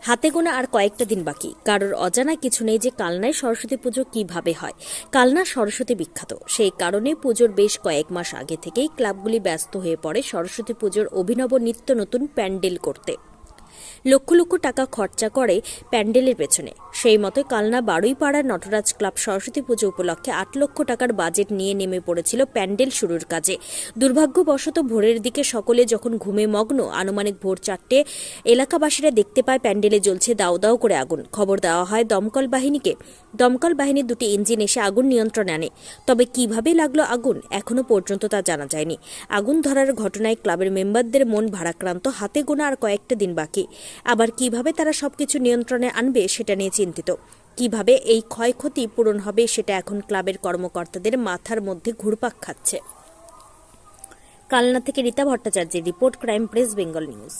হাতে গোনা আর কয়েকটা দিন বাকি। কারোর অজানা কিছু নেই যে কালনায় সরস্বতী পুজো কিভাবে হয়। কালনা সরস্বতী বিখ্যাত, সেই কারণে পুজোর বেশ কয়েক মাস আগে থেকেই ক্লাবগুলি ব্যস্ত হয়ে পড়ে সরস্বতী পুজোর অভিনব নিত্য নতুন প্যান্ডেল করতে। লক্ষ লক্ষ টাকা খরচা করে প্যান্ডেলের পেছনে। সেই মতো কালনা বারুইপাড়ার নটরাজ ক্লাব সরস্বতী পুজো উপলক্ষে 8 লক্ষ টাকার বাজেট নিয়ে নেমে পড়েছিল প্যান্ডেল শুরুর কাজে। দুর্ভাগ্যবশত ভোরের দিকে সকলে যখন ঘুমে মগ্ন, আনুমানিক ভোর 4টে এলাকাবাসীরা দেখতে পায় প্যান্ডেলে জ্বলছে দাউ দাউ করে আগুন। খবর দেওয়া হয় দমকল বাহিনীকে। দমকল বাহিনীর 2টি ইঞ্জিন এসে আগুন নিয়ন্ত্রণে আনে। তবে কিভাবে লাগলো আগুন এখনো পর্যন্ত তা জানা যায়নি। আগুন ধরার ঘটনায় ক্লাবের মেম্বারদের মন ভারাক্রান্ত। হাতে গোনা আর কয়েকটা দিন বাকি। আবার কিভাবে তারা সবকিছু নিয়ন্ত্রণে আনবে সেটা নিয়ে চিন্তিত। কিভাবে এই ক্ষয়ক্ষতি পূরণ হবে সেটা এখন ক্লাবের কর্মকর্তাদের মাথার মধ্যে ঘুরপাক খাচ্ছে। কালনা থেকে রীতা ভট্টাচার্যের report, Crime Press Bengal News.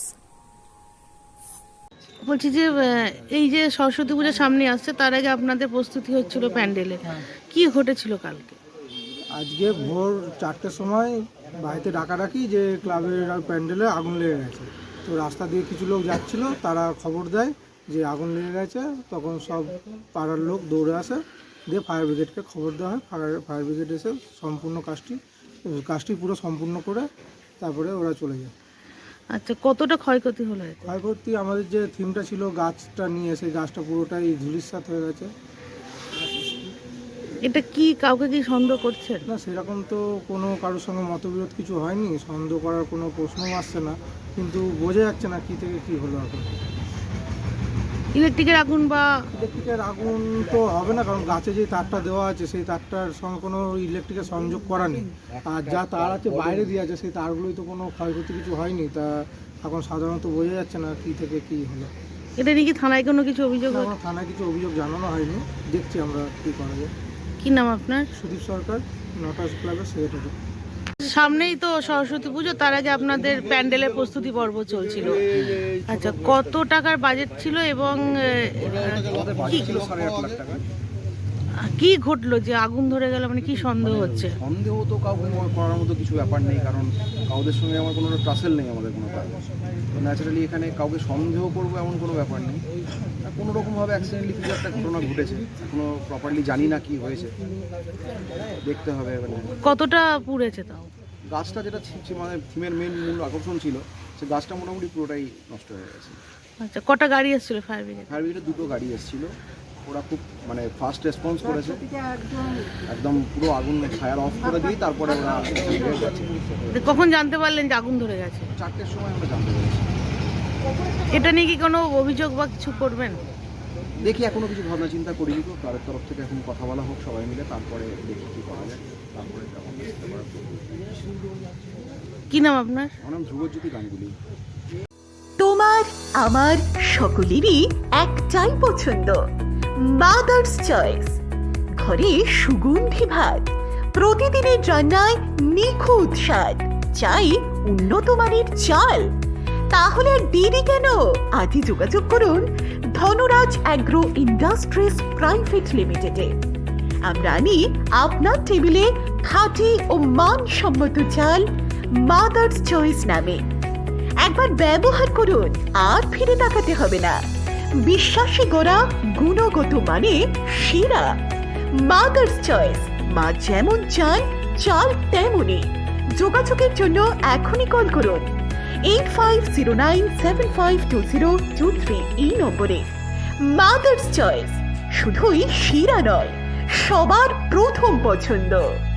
বলছি যে এই যে সরস্বতী পূজা সামনে আসছে, তার আগে আপনাদের প্রস্তুতি হচ্ছিল প্যান্ডেলে, কি ঘটেছিল কালকে? আজকে ভোর 4টের সময় বাড়িতে ডাকাডাকি যে ক্লাবের প্যান্ডেলে আগুন লেগে গেছে। তো রাস্তা দিয়ে কিছু লোক যাচ্ছিল, তারা খবর দেয় যে আগুন লেগে গেছে। তখন সব পাড়ার লোক দৌড়ে আসে, দিয়ে ফায়ার ব্রিগেডকে খবর দেওয়া হয়। ফায়ার ব্রিগেড এসে সম্পূর্ণ কাজটি পুরো সম্পূর্ণ করে তারপরে ওরা চলে যায়। আচ্ছা, কতটা ক্ষয়ক্ষতি হলো? ক্ষয়ক্ষতি আমাদের যে থিমটা ছিল গাছটা নিয়ে, সেই গাছটা পুরোটাই ধূলিসাৎ হয়ে গেছে। এটা কি কাউকে কি সন্দেহ করছেন? না, সেরকম তো কোনো কারোর সঙ্গে মতবিরোধ কিছু হয়নি, সন্দেহ করার কোনো প্রশ্নও আসছে না, কিন্তু বোঝা যাচ্ছে না কী থেকে কী হলো। এখন ইলেকট্রিকের আগুন বা ইলেকট্রিকের আগুন তো হবে না, কারণ গাছে যে তারটা দেওয়া আছে সেই তারটার সঙ্গে কোনো ইলেকট্রিকের সংযোগ করা নেই। আর যা তার আছে বাইরে দিয়ে আছে, সেই তারগুলোই তো কোনো ক্ষয়ক্ষতি কিছু হয়নি। তা এখন সাধারণত বোঝা যাচ্ছে না কী থেকে কী হলো। এটা নিয়ে কি থানায় কোনো কিছু অভিযোগ? আমার থানায় কিছু অভিযোগ জানানো হয়নি, দেখছি আমরা কী করা যায়। কি নাম আপনার? সুদীপ সরকার, নটরাজ ক্লাবের সেক্রেটারি। সামনেই তো সরস্বতী পুজো, তার আগে আপনাদের প্যান্ডেলের প্রস্তুতি পর্ব চলছিল। আচ্ছা, কত টাকার বাজেট ছিল এবং কি ঘটলো যে আগুন ধরে গেল? মানে কি সন্দেহ হচ্ছে? সন্দেহ তো কাউকে করার মতো কিছু ব্যাপার নেই, কারণ কাউদের সঙ্গে আমার কোনো ট্রাসেল নেই, আমাদের কোনো কাজ। তো ন্যাচারালি এখানে কাউকে সন্দেহ করবো এমন কোনো ব্যাপার নেই। কোনো রকমভাবে অ্যাক্সিডেন্টলি কিছু একটা ঘটনা ঘটেছে, এখনো প্রপারলি জানি না কি হয়েছে, দেখতে হবে। কতটা পুড়েছে তাও? গাছটা যেটা মানে থিমের মূল আকর্ষণ ছিল, সে গাছটা মোটামুটি পুরোটাই নষ্ট হয়ে গেছে। আচ্ছা, কটা গাড়ি এসেছিল ফায়ার ব্রিগেড? ফায়ার ব্রিগেডে 2টো গাড়ি এসেছিলো। ওরা খুব মানে ফাস্ট রেসপন্স করেছে, একদম পুরো আগুন ফায়ার অফ করে দিয়ে তারপরে ওরা গেছে। কখন জানতে পারলেন যে আগুন ধরে গেছে? 4টের সময় আমরা জানতে পেরেছি। এটা নিয়ে কি কোনো অভিযোগ বা কিছু করবেন? দেখি, এখনো কিছু ভাবনা চিন্তা করিনি। তো তাদের তরফ থেকে এখন কথা বলা হোক সবাই মিলে, তারপরে দেখি কী করা যায়। তারপরে কি নাম আপনার? আমার নাম ধ্রুবজ্যোতি গাঙ্গুলি। তোমার আমার সকলেরই একটাই পছন্দ, মাদার্স চয়েস। ঘরে সুগন্ধি ভাত, প্রতিদিনের রান্নায় নিখুঁত স্বাদ, চাই উন্নত মানের চাল। তাহলে আর দেরি কেন? আজই যোগাযোগ করুন ধনরাজ অ্যাগ্রো ইন্ডাস্ট্রিজ প্রাইভেট লিমিটেডে। আমরা আনি আপনার টেবিলে খাঁটি ও মানসম্মত চাল মাদার্স চয়েস নামে। একবার ব্যবহার করুন, আর ফিরে তাকাতে হবে না। বিশ্বাসী গোড়া, গুণগত মানে সেরা। মাদার্স চয়েস, মা যেমন চান চাল তেমনই। যোগাযোগের জন্য এখনই কল করুন 8509752023 এই নম্বরে। মাদার্স চয়েস শুধুই সেরা নয়, সবার প্রথম পছন্দ।